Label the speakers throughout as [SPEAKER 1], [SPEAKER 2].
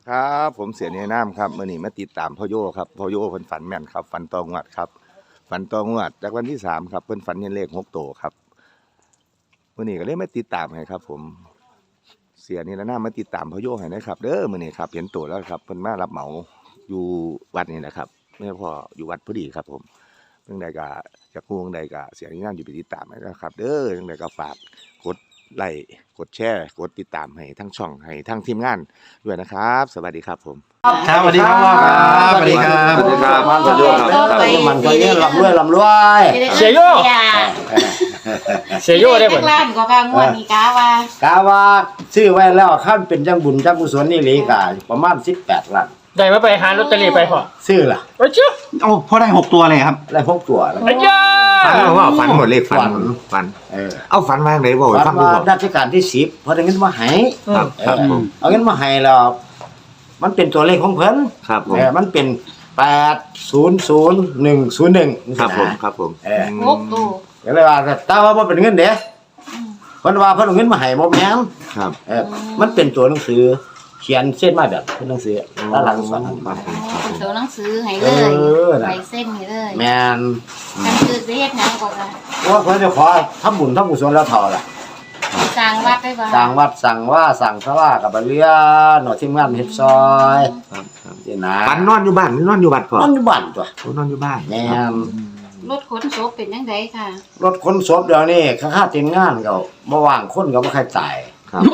[SPEAKER 1] ครับผมเสียเนน้ำครับมื่อนี้มาติดตามพ่อโยครับพ่อโยเพิ่นฝันแม่นครับฝันตองวดครับฝันตองวดจากวันที่3ครับเพิ่นฝันเห็นเลข6 โตวครับมื่อนี้ก็เลยมาติดตามให้ครับผมเสียนี่ละน้ามาติดตามพ่อโยให้นะครับเด้อมื่อนี้ครับเห็นตัวแล้วครับเพิ่นมารับเหมาอยู่วัดนี่แหละครับไม่พออยู่วัดพอดีครับผมเรื่องใดก็จะกู้เรื่องใดก็เสียนี่น้ำอยู่ไปติดตามให้นะครับเด้อเรื่องใดก็ฝากกดไลค์กดแชร์กดติดตามให้ทั้งช่องให้ทั้งทีมงานด้วยนะครับสวัสดีครับผม
[SPEAKER 2] ครับสวัสดีครับพ่อครับสวัสดีครับ
[SPEAKER 1] สวัสดีครับมันก็โยครับ
[SPEAKER 3] มันก็เยอะลำรวย
[SPEAKER 2] เสียโยเสียโยได้บ่
[SPEAKER 4] ล้านกว่างวดนี้กะว่า
[SPEAKER 3] ซื้อไว้แล้วขั้นเป็นจังบุญจังกุศลนี่หลีกาประมาณ18 ล้าน
[SPEAKER 2] ได้มาไปหาลอตเตอรี่ไปพ่อ
[SPEAKER 3] ซื้อล่ะ
[SPEAKER 2] โอ้ชื่อ
[SPEAKER 5] โอ้พ่อได้6 ตัวเลยครับ
[SPEAKER 3] ได้6 ตัวแล้ว
[SPEAKER 2] อ้ยา
[SPEAKER 1] ฝันว่าฝันหมดเลขฝันเอาฝันมาไหนบ่ฟังดูบ่
[SPEAKER 3] รัชกาลที่10พอได้เงินมาให้
[SPEAKER 1] ครับผม
[SPEAKER 3] เอาเงินมาให้แล้วมันเป็นตัวเลขของเพิ่น
[SPEAKER 1] ครับผม
[SPEAKER 3] มันเป็น800101
[SPEAKER 1] ครับผมครับผม
[SPEAKER 4] 6 ตัว
[SPEAKER 3] ก็เลยว่าแต่ว่าบ่เป็นเงินเด้เพิ่นว่าเพิ่นเอาเงินมาให้บ่แม่น
[SPEAKER 1] ครับ
[SPEAKER 3] มันเป็นตัวหนังสือเขียนเส้นมาแบบเป็นหนังสือด้านหลังสอน
[SPEAKER 4] เป็นตัวหนังสือให้เลยใบเส้นให้เลย
[SPEAKER 3] แม่น
[SPEAKER 4] กันคือสิเฮ็ดหยังก่อนล่ะ
[SPEAKER 3] ว่าเพิ่นจะขอทำบุญทำกุศลแล้วเท่าล่ะ
[SPEAKER 4] สร้างวัดได้บ่
[SPEAKER 3] สร้างวัดสั่งว่าสั่งสว่ากับเรือหน่อทีมงานเฮ็ดซอย
[SPEAKER 1] ครับ
[SPEAKER 3] นี่นะ
[SPEAKER 1] ฝันนอนอยู่บ้านนอนอยู่วัดก่อน
[SPEAKER 3] นอนอยู่บ้านตัวน
[SPEAKER 1] อนอยู่บ้าน
[SPEAKER 3] แม่น
[SPEAKER 4] รถขนศพเป็นจังไดค่ะ
[SPEAKER 3] รถขนศพเดี๋ยวนี้ค่าทีมงานก็บ่ว่างคนก็บ่ใครตาย
[SPEAKER 1] ครับ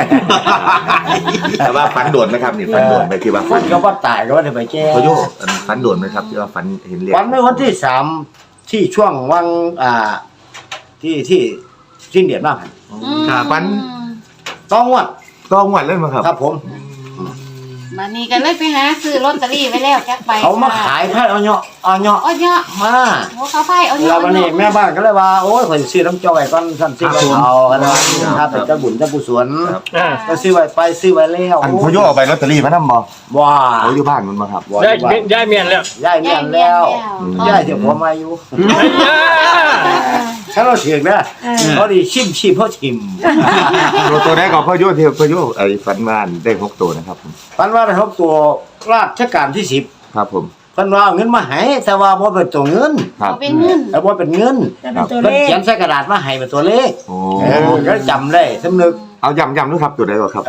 [SPEAKER 1] แต่ว่าฝันโดนไหมครับนี่ฝันโดนไหมที่ว่า
[SPEAKER 3] ฝันก็บ่ตายก็บ่ได้ไปแก้
[SPEAKER 1] พ่อโยฝันโดนไหมครับที่ว่าฝันเห็นเลข
[SPEAKER 3] ฝันในวันที่3ที่ช่วงวังที่สิ้นเดือนมา
[SPEAKER 1] ครับฝัน
[SPEAKER 3] ต้องวัด
[SPEAKER 1] เลยมั้งครับ
[SPEAKER 3] ครับผม
[SPEAKER 4] บัดนี้ก็เลยไปหาซื้อลอตเตอรี่ไว้แล้วจักใบ
[SPEAKER 3] เขามาขายไผ่เอาเนาะมา
[SPEAKER 4] โอ้เขาไผ่เอาเนาะ
[SPEAKER 3] แล้ววันนี้แม่บ้านก็เลยว่าโอ้ยข่อยซื้อน้ำจ้อยก่อนซั่นสิเอาแล้วถ้าเป็นเจ้าบุญเจ้ากุศลก็ซื้อไว้แล้ว
[SPEAKER 1] อันพ่อโยเอาไปลอตเตอรี่มานำบ่อยู่บ้านมันบ่ครับ
[SPEAKER 2] ย้ายเมียนแล้ว
[SPEAKER 3] ย้ายเดี๋ยวผมมาอยู่ถ้าเราเสียงนะเขาดีชิมเขาชิม
[SPEAKER 1] ตัวแรกของพ่อโยที่พ่อโยไอ้ฝันว่าได้6 ตัวนะครับ
[SPEAKER 3] ฝันว่าได้6 ตัวราชการที่10
[SPEAKER 1] ครับผม
[SPEAKER 3] เพิ่นว่าเอาเงินมาให้แต่ว่าบ่เป็นตัวเงิน
[SPEAKER 4] เป็นเงิน
[SPEAKER 3] บ่เป็นเงินเพิ่นเขียนใส่กระดาษมาให้เป็นตัวเลขก็จำได้สำนึก
[SPEAKER 1] เอาย้ำด้วยครับตัวใดบ่ครับ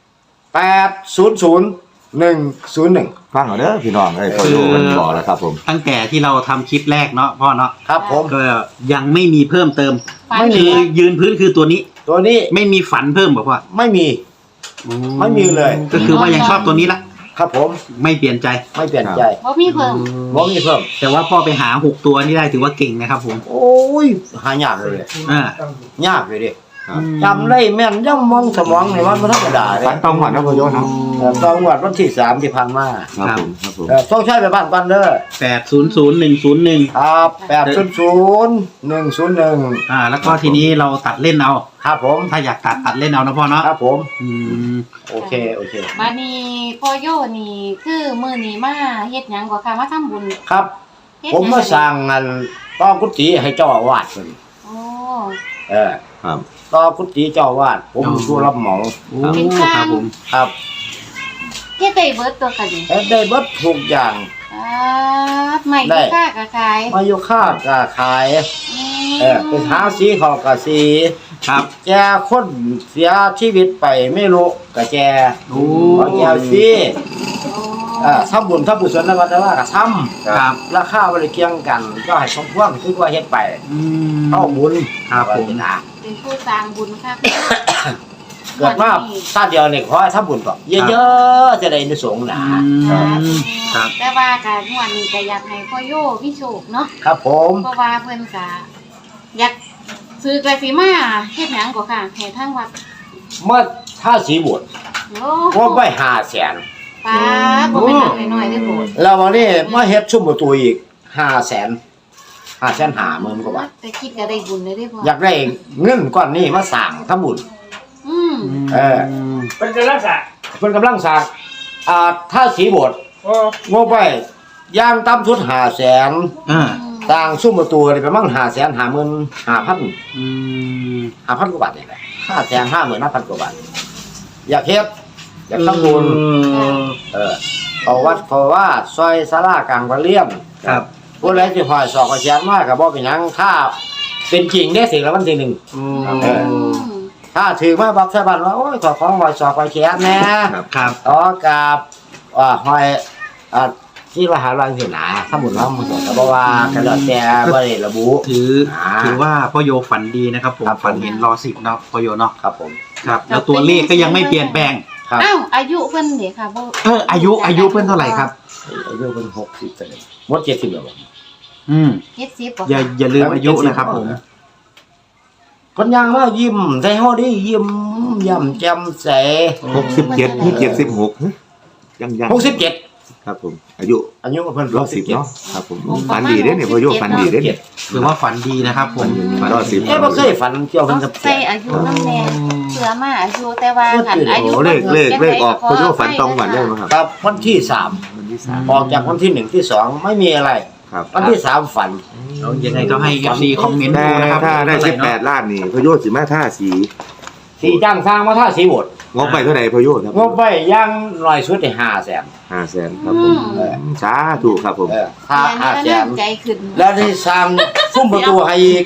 [SPEAKER 3] 800101
[SPEAKER 1] ฟังเอาเด้อพี่น้องพ่อโยมันบอกแล้วครับผม
[SPEAKER 5] ตั้งแต่ที่เราทำคลิปแรกเนาะพ่อเนาะ
[SPEAKER 3] ครับผม
[SPEAKER 5] ก็ยังไม่มีเพิ่มเติม
[SPEAKER 3] ไม่มี
[SPEAKER 5] ยืนพื้นคือตัวนี้
[SPEAKER 3] ไม่
[SPEAKER 5] มีฝันเพิ่มบอกว่า
[SPEAKER 3] ไม่มีเลย
[SPEAKER 5] ก็คือว่ายังชอบตัวนี้ละ
[SPEAKER 3] ครับผม
[SPEAKER 5] ไม่เปลี่ยนใจ
[SPEAKER 4] บ่มีเพิ่ม
[SPEAKER 5] แต่ว่าพ่อไปหา6 ตัวนี่ได้ถือว่าเก่งนะครับผม
[SPEAKER 3] โอ้ยหายากเลยยากเลยดิจำได้แม่นยังมองสมองนี่มันธรรมดาเลย
[SPEAKER 1] ฝันตรงหมดนะพ่อโยเนาะ
[SPEAKER 3] ตรงหมดวันที่3ที่ผ่านมา
[SPEAKER 1] ครับผม
[SPEAKER 3] ต้องใช้ไปบ้านกันเด้อ
[SPEAKER 5] 800101
[SPEAKER 3] ครับ800101
[SPEAKER 5] แล้วก็ทีนี้เราตัดเล่นเอา
[SPEAKER 3] ครับผม
[SPEAKER 5] ถ้าอยากตัดเล่นเอานะพ่อเนาะ
[SPEAKER 3] ครับผมโอเค
[SPEAKER 4] บัดนี้พ่อโยนี่คือมื้อนี้มาเฮ็ดหยังก็ค่ะมาทำบุญ
[SPEAKER 3] ครับผมมาสร้างงานต่อกุฏิให้เจ้าอาวาสเพิ่น
[SPEAKER 4] โอ้
[SPEAKER 1] ครับ
[SPEAKER 3] ต่อกุฏิเจ้าอาวาสผมผู้รับเหมา
[SPEAKER 4] ครับ
[SPEAKER 3] ผมครับ
[SPEAKER 4] เฮ็ดได้เบิดตัวกัน
[SPEAKER 3] ได้เบิดทุกอย่าง
[SPEAKER 4] ไม่อยู่ค่าก็ขาย
[SPEAKER 3] ไม่อยู่ค่าก็ขายเป็นหาสีเขาก็สี
[SPEAKER 5] ครับ
[SPEAKER 3] แกคนเสียชีวิตไปไม่รู้ก็แกแกสิทำบุญทำกุศลนะว่าแต่ว่าก็ทำ
[SPEAKER 5] ครับ
[SPEAKER 3] ราคาบ่ได้เกี่ยงกันก็ให้สมควรคือว่าเฮ็ดไปเข้าบุญ
[SPEAKER 5] ครับผม
[SPEAKER 4] เป็นผู้สร้างบุญครับ
[SPEAKER 3] เกิดมาชาติเดียวนี่ขอให้ทำบุญก่อนเยอะๆจะได้ในสงฆ์
[SPEAKER 4] นะครับแต่ว่าการงวดนี้ก็อยากให้พ่อโยมีโชคเนาะ
[SPEAKER 3] ครับผม
[SPEAKER 4] เพราะว่าเพิ่นก็อยากซื้อกระสีมาเฮ็ดหยังก็ค่ะให้ทางวัด
[SPEAKER 3] เมื่อท่าสีบวชว่าไป500,000
[SPEAKER 4] ป้าบ่เป็นน้อยๆเด้อโบด
[SPEAKER 3] แล้ววันนี้มาเฮ็ดชุ่มประตูอีก550,000กว่าบาท
[SPEAKER 4] แต่คิดก็ได้บุญเลยเด้อพ่อ
[SPEAKER 3] อยากได้เงินก้อนนี้มาสร้างทำบุญ
[SPEAKER 2] เป็นกำลังสร้าง
[SPEAKER 3] ถ้าสีบวชงบไปย่างต่ำสุด500,000สร้างซุ้มประตูนี่ประมาณ550,000 5,000กว่าบาทนี่แหละ550,000 5,000กว่าบาทอยากเฮ็ดอยากทำบุญเขาวัดเขาว่าซอยศาลากลางปะเลี่ยม
[SPEAKER 5] ครับ
[SPEAKER 3] ผู้ใดสิหอยสอกกระเชียนมากกับบ่เป็นหยังถ้าเป็นจริงได้สิ่งละวันที่หนึ่งถ้าถือมาบักใส่บ้านว่าโอ้ยขอของหอยสอกกระเชียนแน่
[SPEAKER 5] ครับ
[SPEAKER 3] ต่อกับหอยที่มหาลัยสินะถ้าหมุนว่ามันก็บ่ว่ากันแล้วแต่บ่ได้ระบุ
[SPEAKER 5] ถือว่าพ่อโยฝันดีนะครับผม
[SPEAKER 3] ครับผม
[SPEAKER 5] ฝันเห็นรอสิบเนาะพ่อโยเนาะ
[SPEAKER 3] ครับผม
[SPEAKER 5] ครับแล้วตัวเลขก็ยังไม่เปลี่ยนแปลง
[SPEAKER 3] ครับ
[SPEAKER 4] อ้าวอายุเพิ่นเด้ค่ะบ่
[SPEAKER 5] อายุเพื่อนเท่าไหร่ครับ
[SPEAKER 3] อายุเป็น60เลยหมด70แล้วบ่
[SPEAKER 5] อืม
[SPEAKER 4] 70บ่
[SPEAKER 5] อย่าลืมอายุนะครับผม
[SPEAKER 3] คนยังว่ายิ้มใส่เฮาดิยิ้มย่ำแจ่มใส
[SPEAKER 1] 67นี่76ยัง
[SPEAKER 3] 67
[SPEAKER 1] ครับผมอายุ
[SPEAKER 3] อายุเพิ่น
[SPEAKER 1] 110เนาะครับผมฝันดีเด้เนี่ยพ่อโยฝันดีเด้เนี่ย
[SPEAKER 5] ถือว่าฝันดีนะครับผม
[SPEAKER 1] รอสิบ
[SPEAKER 3] บ่เคยฝันเกี่ยว
[SPEAKER 4] ต้
[SPEAKER 3] กั
[SPEAKER 4] อบ ง
[SPEAKER 3] เสี
[SPEAKER 4] ใส่
[SPEAKER 3] ย
[SPEAKER 4] อายุนำแน่เผื่อมาอายุแต่ว่าคันอายุ
[SPEAKER 1] โอ้เลขออกพ่อโยฝันตรงกันได้ไหมครับ
[SPEAKER 3] ครับวันที่3
[SPEAKER 1] วันที่สาม
[SPEAKER 3] ออกจากวันที่1ที่2ไม่มีอะไร
[SPEAKER 1] ครับ
[SPEAKER 3] วันที่3ฝัน
[SPEAKER 5] เอายังไงก็ให้ FC คอมเมนต์
[SPEAKER 1] แต่
[SPEAKER 5] ดูนะครับ
[SPEAKER 1] ถ้าได้
[SPEAKER 5] เท่หร่เนะ
[SPEAKER 1] 18ล้านนี่พ่อโยสิมาท่าสี
[SPEAKER 3] ที่จ้างสร้างมาท่าสีโบด
[SPEAKER 1] งบไปเท่าไหร่พ่อโยครับ
[SPEAKER 3] งบไปย่างน้อยสุดได้500,000
[SPEAKER 1] 500,000ครับผมสาธุครับผม
[SPEAKER 3] ถ้า
[SPEAKER 4] ใจ
[SPEAKER 3] 500,000
[SPEAKER 4] ขึ้น
[SPEAKER 3] แล้วได้สร้างซุ้มประตูให้อีก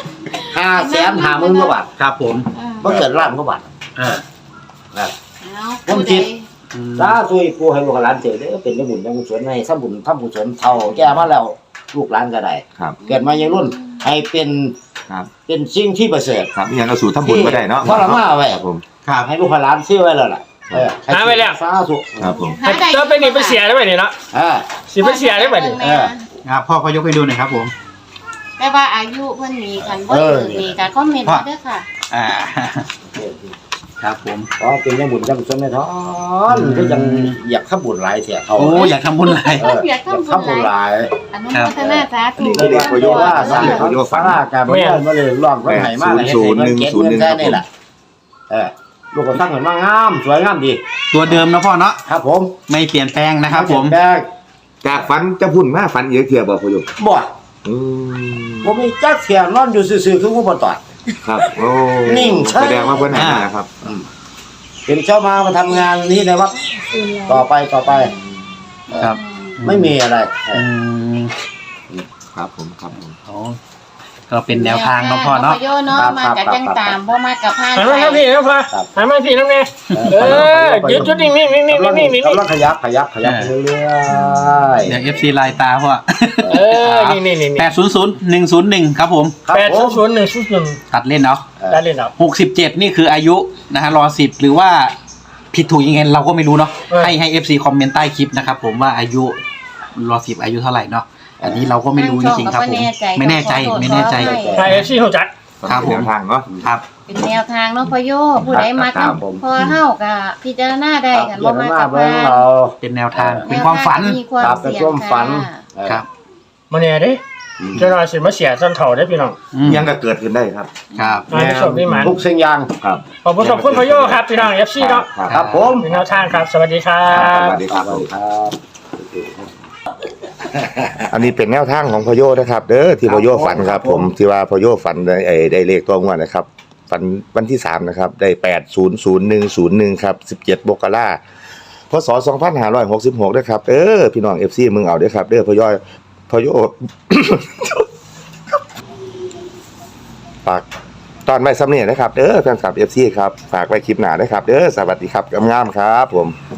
[SPEAKER 3] 550,000 กว่าบาท
[SPEAKER 5] ครับผม
[SPEAKER 3] บ่เกินล้านกว่าบาท
[SPEAKER 5] อ่า
[SPEAKER 3] ผมคิด สาธุกูให้ลูกหลานเจอเด้อเป็นบุญยังกุศลในทำบุญเท่าแก่มาแล้วลูกหลานก็ได้
[SPEAKER 1] ครับ
[SPEAKER 3] เกิดมายังรุ่นให้เป็น
[SPEAKER 1] ครับ
[SPEAKER 3] เป็นสิ่งที่ประเสริฐ
[SPEAKER 1] ครับนี่ยังเอาสู่ทำบุญก็ได้เนาะ
[SPEAKER 3] เพราะเรามาไว้
[SPEAKER 1] ครับผม
[SPEAKER 5] ครับ
[SPEAKER 3] ให้ลูกหลานซื้อไว้แล้วล่ะให้
[SPEAKER 2] หาไว้แล้ว
[SPEAKER 3] สาธุ
[SPEAKER 1] ครับผม
[SPEAKER 2] จะไปนี่ไปเสียได้ไหมเนี่ยเนาะ สิไปเสียได้ไหมเนี่ย
[SPEAKER 5] ครับพ่อยกให้ดูหน่อยครับผม
[SPEAKER 4] แต่ว่าอายุเพิ่นมีกันบ่มีก็คอมเมนต์มาเด้อค่ะ
[SPEAKER 5] อ่า ครับผม
[SPEAKER 3] ก็เป็นยังบุญยังกุศลในท้อนก็ยังอยากทำบุญหลายเสียเขา
[SPEAKER 5] โอ้อยากทำบุญอะไร
[SPEAKER 4] อยากทำบุญ
[SPEAKER 3] ทำบุญหลาย
[SPEAKER 4] อนุโมทนาสาธุ
[SPEAKER 3] เรียกประโยชน์ว่าสร้างเขาสร้างการไม่ได้มาเลยร้องไว้ไหนมาเลยให้เงินเก็บเงินได้นี่แหละลูกก็ตั้งเงินมางามสวยงามดี
[SPEAKER 5] ตัวเดิมนะพ่อเนาะ
[SPEAKER 3] ครับผม
[SPEAKER 5] ไม่เปลี่ยนแปลงนะครับผม
[SPEAKER 3] แบก
[SPEAKER 1] จากฝันจะพุ่นมาฝันเยอะเทียบบ่พ่อโย
[SPEAKER 3] บ่
[SPEAKER 1] อืม
[SPEAKER 3] ผมมีจักเสียนอนอยู่ซื่อๆคือผู้บ่ตอด
[SPEAKER 1] ครับโอ้
[SPEAKER 3] นิ่งใช่
[SPEAKER 1] แสดงว่าเพิ่นหานะครับ
[SPEAKER 3] เป็นเจ้ามาทำงานนี้ในวัดต่อไป
[SPEAKER 5] ครับ
[SPEAKER 3] ไม่มีอะไร
[SPEAKER 5] อืม
[SPEAKER 1] ครับผมครับผม
[SPEAKER 5] โอ้ก็เป็นแนวทางเนาะพ่อเนาะ
[SPEAKER 4] โยเนาะมากับจังตามบ่มากับพาน
[SPEAKER 2] หันมาทางพี่นะพ่อหันมาพี่น้องเนี่ยยืดจุดนิ่งๆ
[SPEAKER 3] กำลัง
[SPEAKER 2] ๆๆ
[SPEAKER 3] กำลังขยับเรื่อยๆ
[SPEAKER 5] เดี๋ยว FC ลายตาพ่อ
[SPEAKER 2] นี่
[SPEAKER 5] 800101ครับผม
[SPEAKER 3] ครับ
[SPEAKER 2] แปด
[SPEAKER 3] ผม
[SPEAKER 2] ศูนย์101
[SPEAKER 5] ตัดเล่นเนาะ
[SPEAKER 2] ได้เลยครับ
[SPEAKER 5] 67นี่คืออายุนะฮะรอ10หรือว่าผิดถูกยังไงเราก็ไม่รู้เนาะให้ FC คอมเมนต์ใต้คลิปนะครับผมว่าอายุรอ10อายุเท่าไหร่เนาะอันนี้เราก็ไม่รู้จริงๆครับผมไม่แน่ใจ
[SPEAKER 2] ไทยซี่หัวจัก
[SPEAKER 5] ครับผม
[SPEAKER 1] แนวทางเนาะ
[SPEAKER 5] ครับ
[SPEAKER 4] เป็นแนวทางเนาะพ่อโยผู้ใดมากับพอเฮาก็พิจารณาได้กันบ่มากับ
[SPEAKER 3] เบิ่ง
[SPEAKER 4] พาน
[SPEAKER 3] เรา
[SPEAKER 5] เป็นแนวทางเป็นความฝัน
[SPEAKER 4] มีความ
[SPEAKER 3] ครับเป็น
[SPEAKER 4] เสี่ย
[SPEAKER 3] ควาง มฝัน
[SPEAKER 5] ครับ
[SPEAKER 2] มาเนี่ยดิเจ้าหน่อยสิมาเสียสันเถ่าได้พี่น้อง
[SPEAKER 1] ยังก็เกิดขึ้นได้ครับ
[SPEAKER 5] ครับ
[SPEAKER 2] มาที่ชมนี่มัน
[SPEAKER 3] ทุกสิ่งอย่าง
[SPEAKER 1] ครับ
[SPEAKER 2] ขอบคุณพ่อโยครับพี่น้อง FC เนาะ
[SPEAKER 3] ครับผม
[SPEAKER 2] เป็นแนวทางครับ สวัสดีครั
[SPEAKER 1] ส
[SPEAKER 2] บ
[SPEAKER 1] วัสดีครับ
[SPEAKER 3] ครับ
[SPEAKER 1] อันนี้เป็นแนวทางของพโยนะครับเด้อที่พโยฝันครับ ผมที่ว่าพโยฝันได้เลขตัวงวดนะครับฝันวันที่3นะครับได้800101ครับ17มกราคมพศ2566ด้วยครับพี่น้อง FC มึงเอาเด้อครับเด้อพโย ฝากตอนไว้ซ้ำเนี่ยนะครับแฟนคลับ FC ครับฝากไว้คลิปหน้าด้วยครับสวัสดีครับงามๆครับผม